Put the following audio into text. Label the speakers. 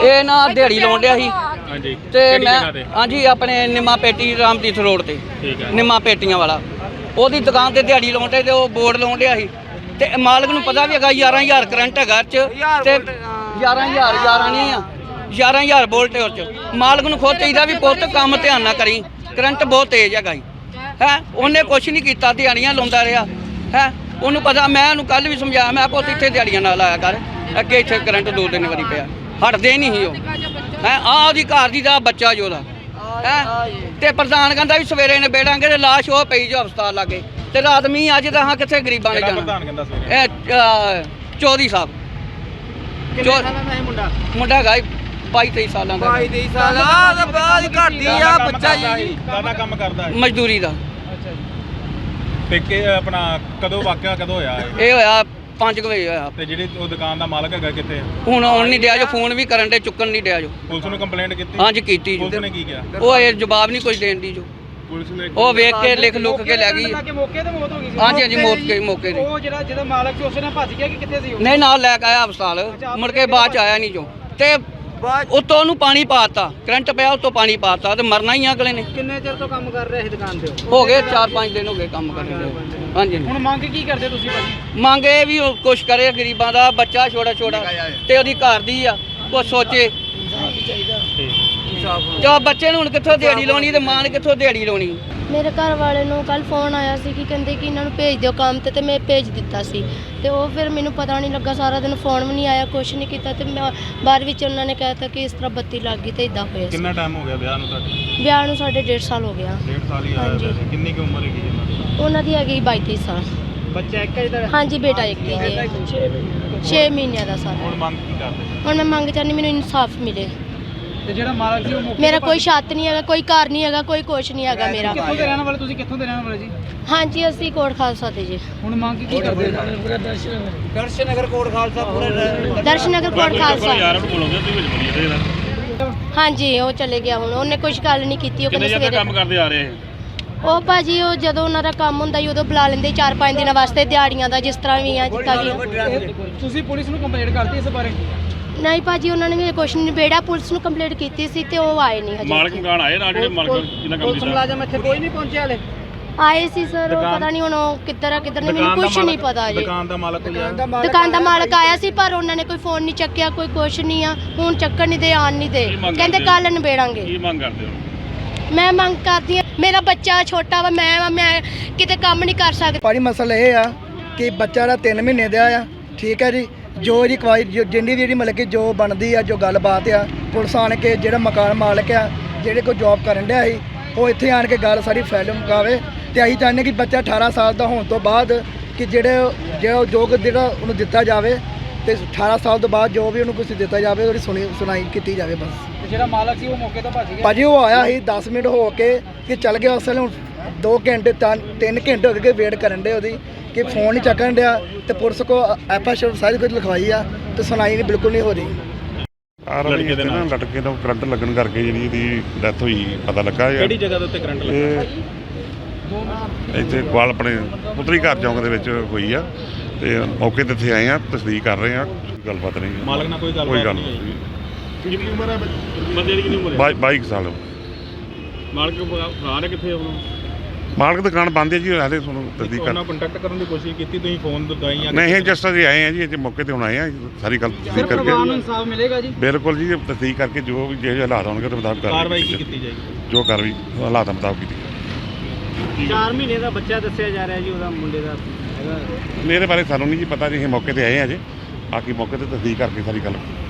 Speaker 1: ਇਹ ਨਾ ਦਿਹਾੜੀ ਲਾਉਣ ਡਿਆ ਸੀ
Speaker 2: ਹਾਂਜੀ
Speaker 1: ਤੇ ਮੈਂ ਹਾਂਜੀ ਆਪਣੇ ਨਿੰਮਾ ਪੇਟੀ ਰਾਮਤੀਰਥ ਰੋਡ ਤੇ
Speaker 2: ਠੀਕ ਹੈ
Speaker 1: ਨਿੰਮਾ ਪੇਟੀਆਂ ਵਾਲਾ ਉਹਦੀ ਦੁਕਾਨ ਤੇ ਦਿਹਾੜੀ ਲਾਉਣ ਤੇ ਉਹ ਬੋਰਡ ਲਾਉਣ ਡਿਆ ਸੀ ਤੇ ਮਾਲਕ ਨੂੰ ਪਤਾ ਵੀ ਹੈਗਾ 11000 ਕਰੰਟ ਹੈਗਾ ਚ ਤੇ 11000 ਨਹੀਂ ਆ 11000 ਵੋਲਟ ਉਹ ਚ ਮਾਲਕ ਨੂੰ ਖੁਦ ਚਾਹੀਦਾ ਵੀ ਪੁੱਤ ਕੰਮ ਧਿਆਨ ਨਾਲ ਕਰੀ ਕਰੰਟ ਬਹੁਤ ਤੇਜ਼ ਹੈਗਾ ਹੈ ਉਹਨੇ ਕੁਛ ਨਹੀਂ ਕੀਤਾ ਦਿਹਾੜੀਆਂ ਲਾਉਂਦਾ ਰਿਹਾ ਹੈ ਉਹਨੂੰ ਪਤਾ ਮੈਂ ਉਹਨੂੰ ਕੱਲ ਵੀ ਸਮਝਾਇਆ ਮੈਂ ਪੁੱਤ ਇੱਥੇ ਦਿਹਾੜੀਆਂ ਨਾਲ ਆਇਆ ਕਰ ਅੱਗੇ ਇੱਥੇ ਕਰੰਟ 2-3 ਵਾਰੀ ਪਿਆ ਹਟਦੇ ਨਹੀਂ ਸੀ ਉਹ ਹੈ ਆਹ ਉਹਦੀ ਘਰ ਦੀ ਦਾ ਬੱਚਾ ਜੋ ਉਹਦਾ ਹੈ ਤੇ ਪ੍ਰਧਾਨ ਕਹਿੰਦਾ ਵੀ ਸਵੇਰੇ ਨੇ ਬੇੜਾਂਗੇ ਤੇ ਲਾਸ਼ ਉਹ ਪਈ ਜੋ ਹਸਪਤਾਲ ਲਾਗੇ ਤੇ ਰਾਤ ਮੀਂਹ ਅੱਜ ਤਾਂ ਹਾਂ ਕਿੱਥੇ ਗਰੀਬਾਂ ਨੇ ਜਾਣਾ ਇਹ ਚੌਧਰੀ ਸਾਹਿਬ ਮੁੰਡਾ ਹੈਗਾ 22-23 ਸਾਲਾਂ ਦਾ
Speaker 3: 22-23 ਸਾਲ ਆ ਬਾਅਦ ਘੱਟਦੀ ਆ ਬੱਚਾ ਜੀ
Speaker 2: ਦਾਦਾ ਕੰਮ ਕਰਦਾ ਹੈ
Speaker 1: ਮਜ਼ਦੂਰੀ ਦਾ
Speaker 2: ਤੇ ਕਿ ਆਪਣਾ ਕਦੋਂ ਵਾਕਿਆ ਕਦੋਂ ਹੋਇਆ
Speaker 1: ਇਹ ਹੋਇਆ 5 ਵਜੇ ਹੋਇਆ
Speaker 2: ਤੇ ਜਿਹੜੀ ਉਹ ਦੁਕਾਨ ਦਾ ਮਾਲਕ ਹੈਗਾ ਕਿੱਥੇ
Speaker 1: ਹੁਣ ਆਉਣ ਨਹੀਂ ਡਿਆ ਜੋ ਫੋਨ ਵੀ ਕਰਨ ਦੇ ਚੁੱਕਣ ਨਹੀਂ ਡਿਆ ਜੋ
Speaker 2: ਪੁਲਿਸ ਨੂੰ ਕੰਪਲੇਂਟ ਕੀਤੀ
Speaker 1: ਹਾਂਜੀ ਕੀਤੀ ਜੋ
Speaker 2: ਪੁਲਿਸ ਨੇ ਕੀ ਕਿਹਾ
Speaker 1: ਉਹ ਇਹ ਜਵਾਬ ਨਹੀਂ ਕੁਝ ਦੇਣ ਦੀ ਜੋ
Speaker 2: ਪੁਲਿਸ ਨੇ
Speaker 1: ਉਹ ਵੇਖ ਕੇ ਲਿਖ ਲੁੱਕ ਕੇ ਲੈ ਗਈ
Speaker 3: ਮੌਕੇ ਤੇ ਮੌਤ ਹੋ ਗਈ ਸੀ
Speaker 1: ਹਾਂਜੀ ਹਾਂਜੀ ਮੌਕੇ ਤੇ
Speaker 3: ਉਹ ਜਿਹਦਾ ਮਾਲਕ ਸੀ ਉਸਨੇ ਭੱਜ ਗਿਆ ਕਿ ਕਿੱਥੇ ਸੀ ਉਹ
Speaker 1: ਨਹੀਂ ਨਾਲ ਲੈ ਕੇ ਆਇਆ ਹਸਪਤਾਲ ਮੁੜ ਕੇ ਬਾਅਦ ਚ ਆਇਆ ਨਹੀਂ ਜੋ ਤੇ ਉੱਤੋਂ ਉਹਨੂੰ ਪਾਣੀ ਪਾਤਾ ਕਰੰਟ ਪਿਆ ਉੱਤੋਂ ਪਾਣੀ ਪਾਤਾ ਤੇ ਮਰਨਾ ਹੀ ਅਗਲੇ ਨੇ
Speaker 3: ਕਿੰਨੇ ਚਿਰ ਤੋਂ ਕੰਮ ਕਰ ਰਹੇ ਸੀ ਦੁਕਾਨ ਤੇ
Speaker 1: ਹੋ ਗਏ 4-5 ਦਿਨ ਹੋ ਗਏ ਕੰਮ ਕਰਦੇ ਹਾਂਜੀ
Speaker 3: ਹੁਣ ਮੰਗ ਕੀ ਕਰਦੇ ਤੁਸੀਂ ਭਾਜੀ
Speaker 1: ਮੰਗ ਇਹ ਵੀ ਉਹ ਕੁਛ ਕਰੇ ਗਰੀਬਾਂ ਦਾ ਬੱਚਾ ਛੋਟਾ ਤੇ ਉਹਦੀ ਘਰ ਦੀ ਆ ਕੁਛ ਸੋਚੇ ਤੇ ਬੱਚੇ ਨੂੰ ਹੁਣ ਕਿੱਥੋਂ ਦਿਹਾੜੀ ਲਾਉਣੀ ਤੇ ਮਾਂ ਨੇ ਕਿੱਥੋਂ ਦਿਹਾੜੀ ਲਾਉਣੀ
Speaker 4: ਮੇਰੇ ਘਰ ਵਾਲੇ ਨੂੰ ਕੱਲ ਫੋਨ ਆਇਆ ਸੀ ਕਿ ਕਹਿੰਦੇ ਕਿ ਇਹਨਾਂ ਨੂੰ ਭੇਜ ਦਿਓ ਕੰਮ ਤੇ ਮੈਂ ਭੇਜ ਦਿੱਤਾ ਸੀ ਤੇ ਉਹ ਫਿਰ ਮੈਨੂੰ ਪਤਾ ਨਹੀਂ ਲੱਗਾ ਸਾਰਾ ਦਿਨ ਫੋਨ ਵੀ ਨਹੀਂ ਆਇਆ ਕੁਛ ਨਹੀਂ ਕੀਤਾ ਤੇ ਮੈਂ ਬਾਅਦ ਵਿੱਚ ਉਹਨਾਂ ਨੇ ਕਹਿਤਾ ਕਿ ਇਸ ਤਰ੍ਹਾਂ ਬੱਤੀ ਲੱਗ ਗਈ ਤੇ ਇਦਾਂ ਹੋਇਆ ਸੀ।
Speaker 2: ਕਿੰਨਾ ਟਾਈਮ ਹੋ ਗਿਆ ਵਿਆਹ ਨੂੰ ਤੁਹਾਡੇ
Speaker 4: ਵਿਆਹ ਨੂੰ ਸਾਡੇ 1.5 ਸਾਲ ਹੋ ਗਿਆ
Speaker 2: 1.5 ਸਾਲ ਹੀ ਆਇਆ
Speaker 4: ਹਾਂਜੀ।
Speaker 2: ਵੈਸੇ ਕਿੰਨੀ ਕੁ ਉਮਰ ਹੈਗੀ ਇਹਨਾਂ ਦੀ
Speaker 4: ਉਹਨਾਂ ਦੀ ਹੈਗੀ 22-23 ਸਾਲ
Speaker 3: ਬੱਚਾ ਇੱਕ ਹੈ ਜਿਹੜਾ
Speaker 4: ਹਾਂਜੀ ਬੇਟਾ ਇੱਕ ਹੀ ਹੈ 6 ਮਹੀਨਿਆਂ ਦਾ ਸਾਰਾ
Speaker 2: ਹੁਣ ਮੰਗ ਕੀ ਕਰਦੇ
Speaker 4: ਹੁਣ ਮੈਂ ਮੰਗ ਚਾਹੁੰਦੀ ਮੈਨੂੰ ਇਨਸਾਫ ਮਿਲੇ
Speaker 3: ਤੇ ਜਿਹੜਾ ਮਾਲਕ ਸੀ ਉਹ ਮੌਕੇ
Speaker 4: ਮੇਰਾ ਕੋਈ ਛੱਤ ਨਹੀਂ ਹੈਗਾ ਕੋਈ ਘਰ ਨਹੀਂ ਹੈਗਾ ਕੋਈ ਕੁਛ ਨਹੀਂ ਹੈਗਾ ਮੇਰਾ
Speaker 3: ਕਿੱਥੋਂ ਦੇ ਰਹਿਣ ਵਾਲੇ ਤੁਸੀਂ ਕਿੱਥੋਂ ਦੇ ਰਹਿਣ ਵਾਲੇ ਜੀ
Speaker 4: ਹਾਂਜੀ ਅਸੀਂ ਕੋਟ ਖਾਲਸਾ ਦੇ ਜੀ
Speaker 3: ਹੁਣ ਮੰਗ ਕੀ ਕਰਦੇ ਦਰਸ਼ਨ ਨਗਰ ਕੋਟ ਖਾਲਸਾ ਪੂਰਾ
Speaker 4: ਦਰਸ਼ਨਗਰ ਕੋਟ ਖਾਲਸਾ
Speaker 2: ਯਾਰ ਨੂੰ ਬੋਲੋਗੇ ਤੁਸੀਂ ਵਿੱਚ ਬੋਲੀਏ ਤੇ ਇਹਦਾ
Speaker 4: ਹਾਂਜੀ ਉਹ ਚਲੇ ਗਿਆ ਹੁਣ ਉਹਨੇ ਕੁਝ ਗੱਲ ਨਹੀਂ ਕੀਤੀ ਉਹ
Speaker 2: ਕਿੰਨੇ
Speaker 4: ਕਹਿੰਦੇ
Speaker 2: ਜਦ
Speaker 4: ਸਵੇਰੇ
Speaker 2: ਕੰਮ ਕਰਦੇ ਆ ਰਹੇ
Speaker 4: ਉਹ ਭਾਜੀ ਉਹ ਜਦੋਂ ਉਹਨਾਂ ਦਾ ਕੰਮ ਹੁੰਦਾ ਸੀ ਉਦੋਂ ਬੁਲਾ ਲੈਂਦੇ 4-5 ਦਿਨਾਂ ਵਾਸਤੇ ਦਿਹਾੜੀਆਂ ਦਾ ਜਿਸ ਤਰ੍ਹਾਂ ਵੀ ਆ ਜਿੱਦਾਂ ਵੀ ਆ।
Speaker 3: ਤੁਸੀਂ ਪੁਲਿਸ ਨੂੰ ਕੰਪਲੇਂਟ ਕਰਤੀ ਇਸ ਬਾਰੇ
Speaker 4: ਨਹੀਂ ਭਾਜੀ ਉਹਨਾਂ ਨੇ ਕੁਛ ਨਹੀਂ ਨਿਬੇੜਾ ਪੁਲਿਸ ਨੂੰ ਕੰਪਲੇਂਟ ਕੀਤੀ ਸੀ ਤੇ ਉਹ ਆਏ ਨਹੀਂ ਹਜੇ
Speaker 2: ਮਾਲਕ ਮਕਾਨ ਆਏ ਨਾਲ ਜਿਹੜੇ ਮਾਲਕ ਜਿਹਨਾਂ ਕੰਮ
Speaker 3: ਪੁਲਿਸ
Speaker 2: ਕੀਤਾ
Speaker 3: ਮੁਲਾਜ਼ਮ ਇੱਥੇ ਕੋਈ ਨਹੀਂ ਪਹੁੰਚਿਆ ਹਲੇ
Speaker 4: ਆਏ ਸੀ ਸਰ ਉਹ ਪਤਾ ਨਹੀਂ ਹੁਣ ਉਹ ਕਿੱਧਰ ਆ ਕਿੱਧਰ ਨਹੀਂ ਮੈਨੂੰ ਕੁਝ ਨਹੀਂ ਪਤਾ ਜੀ
Speaker 2: ਦੁਕਾਨ ਦਾ ਮਾਲਕ ਕੋਈ ਆਇਆ
Speaker 4: ਦੁਕਾਨ ਦਾ ਮਾਲਕ ਆਇਆ ਸੀ ਪਰ ਉਹਨਾਂ ਨੇ ਕੋਈ ਫੋਨ ਨਹੀਂ ਚੱਕਿਆ ਕੋਈ ਕੁਛ ਨਹੀਂ ਆ ਹੁਣ ਚੱਕਣ ਨਹੀਂ ਦੇ ਆਣ ਨਹੀਂ ਦੇ ਕਹਿੰਦੇ ਕੱਲ ਨਿਬੇੜਾਂਗੇ
Speaker 2: ਕੀ ਮੰਗ ਕਰਦੇ ਹੋ
Speaker 4: ਮੈਂ ਮੰਗ ਕਰਦੀ ਹਾਂ ਮੇਰਾ ਬੱਚਾ ਛੋਟਾ ਵਾ ਮੈਂ ਕਿਤੇ ਕੰਮ ਨਹੀਂ ਕਰ ਸਕਦੀ
Speaker 5: ਭਾਜੀ ਮਸਲਾ ਇਹ ਆ ਕਿ ਬੱਚਾ ਦਾ 3 ਮਹੀਨੇ ਦਾ ਆ ਠੀਕ ਹੈ ਜੀ ਜੋ ਇਹਦੀ ਕਵਾਈ ਜਿੰਨੀ ਵੀ ਜਿਹੜੀ ਮਤਲਬ ਕਿ ਜੋ ਬਣਦੀ ਆ ਜੋ ਗੱਲਬਾਤ ਆ ਪੁਲਿਸ ਆਣ ਕੇ ਜਿਹੜਾ ਮਕਾਨ ਮਾਲਕ ਆ ਜਿਹੜੇ ਕੋਈ ਜੌਬ ਕਰਨ ਡਿਆ ਸੀ ਉਹ ਇੱਥੇ ਆਣ ਕੇ ਗੱਲ ਸਾਰੀ ਫੈਲ ਮੁਕਾਵੇ ਤੇ ਅਸੀਂ ਚਾਹੁੰਦੇ ਕਿ ਬੱਚਾ 18 ਸਾਲ ਦਾ ਹੋਣ ਤੋਂ ਬਾਅਦ ਕਿ ਜਿਹੜਾ ਉਹਨੂੰ ਦਿੱਤਾ ਜਾਵੇ ਤੇ 18 ਸਾਲ ਤੋਂ ਬਾਅਦ ਜੋ ਵੀ ਉਹਨੂੰ ਕੁਝ ਦਿੱਤਾ ਜਾਵੇ ਉਹਦੀ ਸੁਣਾਈ ਕੀਤੀ ਜਾਵੇ ਬਸ।
Speaker 3: ਜਿਹੜਾ ਮਾਲਕ ਸੀ ਉਹ ਮੌਕੇ ਤੋਂ ਭੱਜ ਗਿਆ
Speaker 5: ਭਾਜੀ ਉਹ ਆਇਆ ਸੀ 10 ਮਿੰਟ ਹੋ ਕੇ ਕਿ ਚੱਲ ਗਿਆ ਉਸ ਵੇਲੇ ਹੁਣ 2 ਘੰਟੇ 3 ਘੰਟੇ ਹੋ ਗਏ ਵੇਟ ਕਰਨ ਦੇ ਉਹਦੀ ਕਿ ਫੋਨ ਨਹੀਂ ਚੱਕਣ ਡਿਆ ਤੇ ਪੁਲਿਸ ਕੋ ਐਫਆਈਆਰ ਸਾਰੀ ਕੁਝ ਲਿਖਵਾਈ ਆ ਤੇ ਸੁਣਾਈ ਨਹੀਂ ਬਿਲਕੁਲ ਨਹੀਂ ਹੋ ਰਹੀ।
Speaker 2: ਲੜਕੇ ਦੇ ਨਾਲ
Speaker 6: ਲਟਕੇ ਤੋਂ ਕਰੰਟ ਲੱਗਣ ਕਰਕੇ ਜਿਹੜੀ ਇਹਦੀ ਡੈਥ ਹੋਈ ਪਤਾ ਲੱਗਾ
Speaker 2: ਕਿਹੜੀ ਜਗ੍ਹਾ ਦੇ ਉੱਤੇ ਕਰੰਟ ਲੱਗਾ
Speaker 6: ਇਹ ਇੱਥੇ ਕੋਲ ਆਪਣੇ ਪੁੱਤਰੀ ਘਰ ਚੌਂਕ ਦੇ ਵਿੱਚ ਹੋਈ ਆ ਤੇ ਮੌਕੇ ਤੇ ਇੱਥੇ ਆਏ ਆ ਤਸਦੀਕ ਕਰ ਰਹੇ ਆ ਗੱਲਬਾਤ ਨਹੀਂ
Speaker 2: ਮਾਲਕ ਨਾਲ ਕੋਈ ਗੱਲ
Speaker 6: ਨਹੀਂ
Speaker 2: ਕਿੰਨੀ ਉਮਰ ਹੈ ਬੰਦੇ ਦੀ ਕਿੰਨੀ ਉਮਰ ਹੈ
Speaker 6: 22 ਸਾਲ
Speaker 2: ਮਾਲਕ ਫਰਾਰ ਹੈ ਕਿੱਥੇ ਹੁਣ
Speaker 6: ਮਾਲਕ ਦੁਕਾਨ ਬੰਦ ਹੈ ਜੀ ਹਾਲੇ ਤੁਹਾਨੂੰ ਤਸਦੀਕ ਕਰ
Speaker 2: ਉਹਨਾਂ ਕੰਟੈਕਟ ਕਰਨ ਦੀ ਕੋਸ਼ਿਸ਼ ਕੀਤੀ ਤੁਸੀਂ ਫੋਨ ਦਵਾਈ ਜਾਂ
Speaker 6: ਨਹੀਂ ਜਸਟ ਅਸੀਂ ਆਏ ਆ ਜੀ ਇੱਥੇ ਮੌਕੇ ਤੇ ਹੁਣ ਆਏ ਆ ਸਾਰੀ ਗੱਲ ਤਸਦੀਕ
Speaker 3: ਪਰਿਵਾਰ ਨੂੰ
Speaker 6: ਕਰਕੇ
Speaker 3: ਇਨਸਾਫ ਮਿਲੇਗਾ ਜੀ
Speaker 6: ਬਿਲਕੁਲ ਜੀ ਤਸਦੀਕ ਕਰਕੇ ਜੋ ਵੀ ਜਿਹੇ ਹਾਲਾਤ ਹੋਣਗੇ ਉਹਦੇ ਮੁਤਾਬਕ
Speaker 2: ਕਾਰਵਾਈ ਕੀ ਕੀਤੀ ਜਾਏਗੀ
Speaker 6: ਜੋ ਕਾਰਵਾਈ ਹਾਲਾਤਾਂ ਮੁਤਾਬਕ ਕੀਤੀ
Speaker 3: 4 ਮਹੀਨੇ ਦਾ ਬੱਚਾ ਦੱਸਿਆ ਜਾ ਰਿਹਾ ਜੀ ਉਹਦਾ ਮੁੰਡੇ ਦਾ ਹੈਗਾ
Speaker 6: ਮੇਰੇ ਬਾਰੇ ਸਾਨੂੰ ਨਹੀਂ ਜੀ ਪਤਾ ਜੀ ਅਸੀਂ ਮੌਕੇ ਤੇ ਆਏ ਆ ਜੀ ਬਾਕੀ ਮੌਕੇ ਤੇ ਤਸਦੀਕ ਕਰਕੇ ਸਾਰੀ ਗੱਲ